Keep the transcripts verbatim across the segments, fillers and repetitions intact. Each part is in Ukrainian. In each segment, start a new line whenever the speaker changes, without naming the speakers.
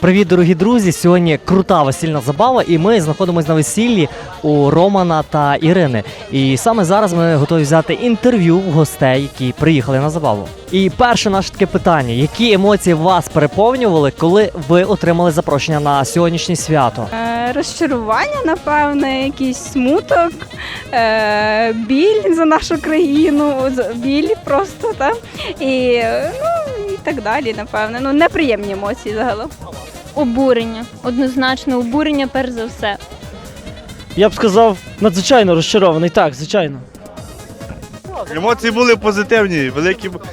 Привіт, дорогі друзі! Сьогодні крута весільна забава, і ми знаходимося на весіллі у Романа та Ірини. І саме зараз ми готові взяти інтерв'ю в гостей, які приїхали на забаву. І перше наше таке питання: які емоції вас переповнювали, коли ви отримали запрошення на сьогоднішнє свято?
Е, Розчарування, напевне, якийсь смуток, е, біль за нашу країну, з- біль просто, так? І, е, ну, і так далі, напевне. Ну, неприємні емоції загалом.
Обурення. Однозначно обурення, перш за все.
Я б сказав, надзвичайно розчарований, так, звичайно.
Емоції були позитивні, великі. бу-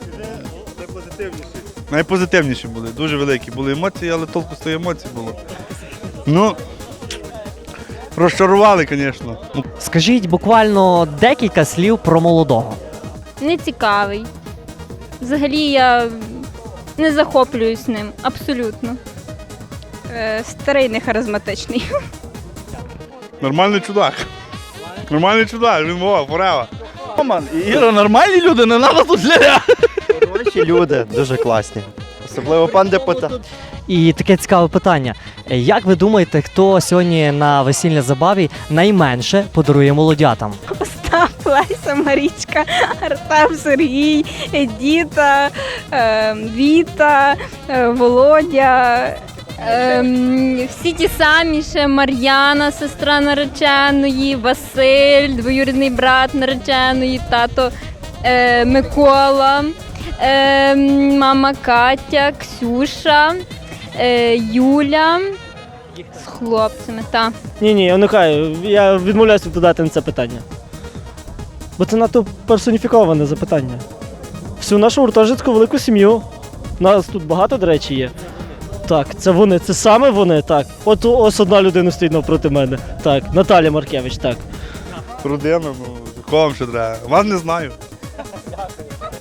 Найпозитивніші були, дуже великі були емоції, але толку з тої емоцій було. Ну, розчарували, звісно.
Скажіть буквально декілька слів про молодого.
Нецікавий. Взагалі я не захоплююсь ним, абсолютно.
Е, Старий, нехаризматичний.
Нормальний чудак. Нормальний чудак, він мова, порева.
Роман і Іра нормальні люди, не треба тут ля.
Хороші люди, дуже класні. Особливо пан депутат.
І таке цікаве питання: як ви думаєте, хто сьогодні на весільній забаві найменше подарує молодятам?
Остап, Леся, Марічка, Артем, Сергій, Діта, е, Віта, е, Володя.
Ем, всі ті самі ще Мар'яна, сестра нареченої, Василь, двоюрідний брат нареченої, тато е, Микола, е, мама Катя, Ксюша, е, Юля з хлопцями. Та.
Ні, ні, я уникаю, я відмовляюся відповідати на це питання. Бо це надто персоніфіковане запитання. Всю нашу гуртожитську велику сім'ю. Нас тут багато, до речі, є. Так, це вони, це саме вони, так. От ось одна людина стоїть навпроти мене. Так, Наталя Маркевич, так.
Родина, ну, кого вам ще треба? Вас не знаю.